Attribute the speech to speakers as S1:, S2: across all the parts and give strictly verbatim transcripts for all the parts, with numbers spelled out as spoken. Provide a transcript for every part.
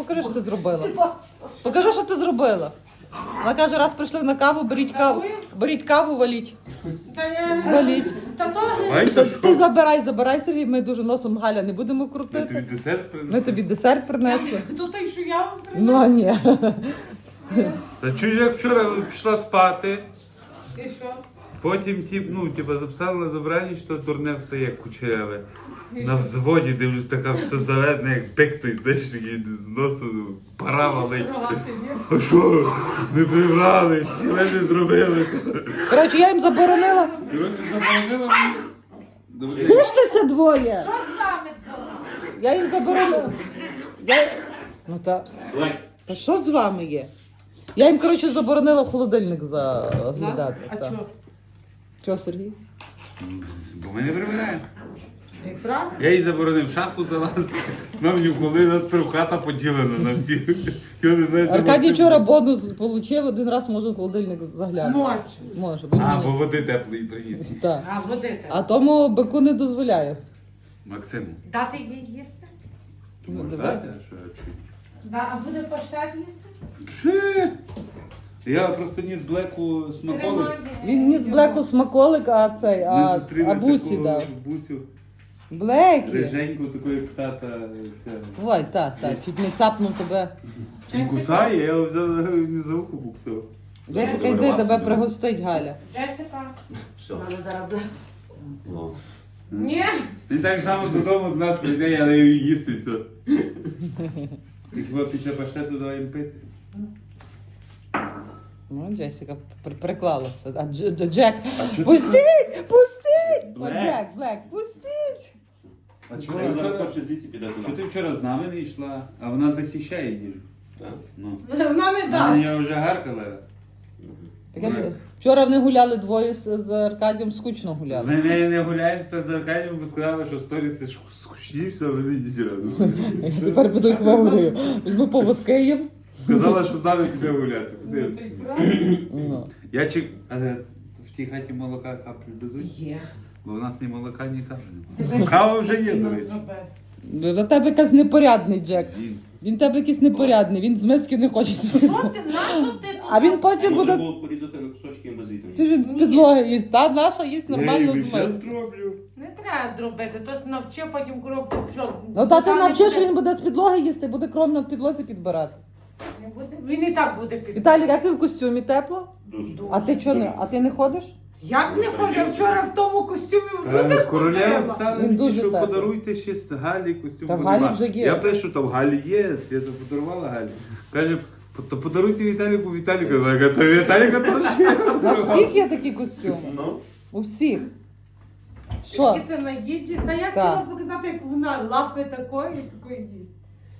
S1: покажи, що ти зробила. Покажи, що ти зробила. Вона каже, раз прийшли на каву, беріть каву, беріть каву, валіть.
S2: Та я...
S1: Валіть.
S2: Та то...
S1: Ти, ти забирай, забирай, Сергій, ми дуже носом Галя не будемо
S3: Ми тобі
S1: крутити.
S3: десерт принесли.
S1: Ми тобі десерт принесли.
S2: То той, що я вам
S1: Ну, а ні.
S3: Та чую, як вчора пішла спати,
S2: І що?
S3: потім тип, ну, типа, записала на добраніч, що дурне встає кучеряве. На взводі дивлюсь, така все заведена, як бик той, знаєш, такий з носу, пара валить. А що? Не прибрали, ціле не зробили.
S1: Коротше, я їм заборонила.
S3: Коротше, заборонила мені.
S1: Тиштеся двоє.
S2: Що з вами було?
S1: Я їм заборонила. Я... Ну та... Та що з вами є? Я їм, коротше, заборонила в холодильник заглядати.
S2: А
S1: та.
S2: чого?
S1: Чого, Сергій?
S3: Бо ми не прибираємо.
S2: Ти правда?
S3: Я їй заборонив в шафу залазити. Нам ні коли надприв хата поділена на всіх. Його не знаєте,
S1: Аркадій
S3: Максим.
S1: вчора бонус отримав, один раз може в холодильник заглянути.
S2: Може.
S1: Може, бо
S3: А,
S1: ні.
S3: бо води теплої приніс.
S1: Так.
S2: А водити?
S1: А тому бику не дозволяє.
S3: Максиму.
S2: Дати їй їсти?
S3: Ти можеш
S1: давай.
S3: дати? А що я чую?
S2: Да, а буде паштет їсти?
S3: Ще. Я просто ніс блеку смаколик.
S2: Тримає.
S1: Він ніс блеку смаколик, а цей,
S3: Ми
S1: а,
S3: зустріли
S1: а бусі
S3: таку
S1: дав.
S3: Бусю.
S1: Блекі.
S3: Риженьку, таку як тата. Це.
S1: Ой, так, так, чуть не цапнув тебе.
S3: Він кусає, я його взяв не за ухо буксив.
S1: Джесіка, йди, тебе пригостить Галя.
S2: Джесіка.
S4: Все.
S2: Вона зараз буде.
S4: Ну.
S2: Ні?
S3: Він так само додому до нас прийде, я даю їсти все. І хіба після паштету давай їм пити?
S1: Ну, Джесіка при- приклалася. А Дж- Дж- Джек,
S3: А чого ти-
S1: пустіть, пустіть! О,
S3: Блек.
S1: Блек, Блек, пустіть!
S3: А чого
S4: Це
S3: ти
S4: зараз
S3: вчора-
S4: хоче звідси піде
S3: що
S4: туди.
S3: ти вчора з нами не йшла, а вона захищає їжу?
S4: Так?
S3: Ну.
S2: Вона не
S3: Вона
S2: дасть.
S3: я вже гаркала раз.
S1: Так я с- Вчора вони гуляли двоє з, з Аркадієм, скучно
S3: З
S1: гуляли.
S3: нею не гуляють, то за Аркадієм, бо сказали, що сторіс це ж скучні, все, вони йдіть разом.
S1: Тепер піду їх вигулюю. Візьму поводки їм.
S3: Сказала, що з нами піде гуляти.
S2: Ну,
S3: Подивимось.
S2: ти правда?
S1: Ну.
S3: Я чек... Але в тій хаті молока каплю дадуть,
S2: Є.
S3: бо у нас ні молока, ні каплі немає. Кава вже є, до речі.
S1: На тебе якийсь непорядний Джек.
S3: Він.
S1: Він тебе якийсь непорядний, він з миски не хоче.
S2: Що ти? Нащо ти?
S1: А він потім
S4: Можна
S1: буде.
S4: було порізати на кусочки без вітамінів.
S1: Ти ж він з підлоги їсть, та наша їсть нормально з
S3: Я
S1: миски.
S3: зроблю.
S2: Не треба дробити, то навчи потім коробку пішов.
S1: Ну та ти
S2: Там не
S1: навчиш,
S2: буде-
S1: він буде з підлоги їсти, буде кром на підлозі підбирати.
S2: Не буде? Він і так буде під.
S1: Віталій, як ти в костюмі тепло?
S4: Дуже.
S1: А ти чого не? А ти не ходиш?
S2: Як не хоже вчора в тому костюмі в
S3: Та,
S2: люди
S3: Королева
S2: ходила?
S3: писала
S1: Він
S3: мені,
S1: дуже
S3: що
S1: теплий.
S3: подаруйте ще з Галі костюм.
S1: Та в
S3: бо
S1: Галі
S3: нема.
S1: вже є.
S3: Я пишу, там в Галі є, Свята подарувала Галі. Каже, то подаруйте Віталіку, Віталіку. Я кажу, то Віталіка теж є.
S1: У всіх є такі костюми.
S4: Ну,
S1: У всіх. Що?
S2: Які ти наїджі? Та я
S1: Так.
S2: хотіла показати, як вона лапи такої і такої їсть.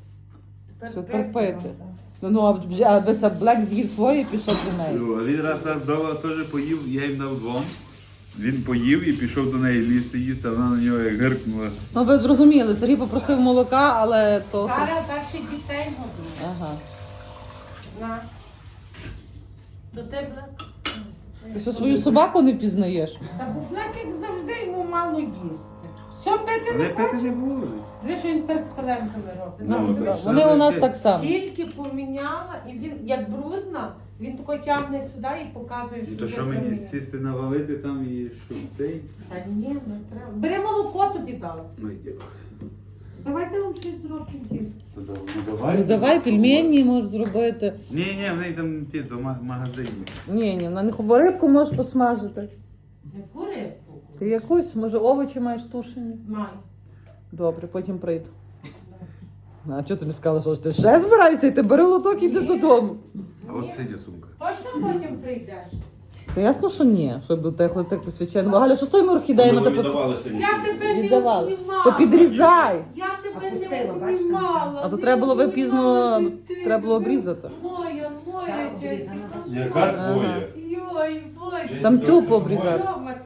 S1: Що терпити? Ну, а б- а вися Блек з'їв своє і пішов до неї.
S3: Ну, а він раз нас вдома теж поїв, я їм дав двом. Він поїв і пішов до неї лізти їсти, а вона на нього як гиркнула.
S1: Ну, ви зрозуміли, Сергій попросив молока, але то...
S2: Зараз перші дітей годує.
S1: Ага.
S2: На. До тебе.
S1: Ти що, свою собаку не впізнаєш?
S2: Та Буфляк, як завжди, йому мало їсти. Все пити
S3: Вони
S2: не
S3: пити
S2: хоче.
S3: не будуть.
S2: Диви, що він перспеленками робить.
S3: Ну,
S2: Ну,
S3: так
S2: диви,
S3: що?
S1: Вони у нас так само.
S2: Тільки поміняла, і він, як брудна, він тако тягне сюди і показує, що
S3: Ну, то
S2: вже
S3: що мені
S2: поміняла.
S3: сісти навалити там і що цей?
S2: Та ні, не треба. Бери молоко тобі дав.
S3: Ну йди.
S2: Давайте вам щось зробимо їсти.
S3: Ну давай.
S1: Ну давай пельмені можеш зробити.
S3: Ні, ні, в неї там ті до ма- магазинів.
S1: Ні, ні, на них рибку можеш посмажити.
S2: Яку рибку?
S1: Ти якусь, може, овочі маєш тушені?
S2: Май.
S1: Добре, потім прийду. А чого ти не сказала, що ж ти ще збираєшся йти? Бери лоток і йди додому.
S3: А от синя сумка.
S2: Точно потім прийдеш?
S1: Та ясно, що ні, щоб до тебе так посвячено. Галя, що з тими орхідеями?
S4: ми
S1: Та по-
S4: віддавалися від
S2: Я тебе не
S1: віддавали.
S2: обнімала.
S1: То підрізай.
S2: Я тебе
S5: Опустила,
S2: не
S5: бачите?
S2: обнімала.
S1: А то
S2: не
S1: треба було
S2: обнімала
S1: випізно,
S2: дитину.
S1: треба було обрізати.
S2: Моя, моя
S5: Так,
S2: Джесіка.
S5: обрізана.
S3: Яка
S1: Ага.
S3: твоя?
S2: Йой, боже.
S1: Там тупо обрізати.
S2: Що, Матвій?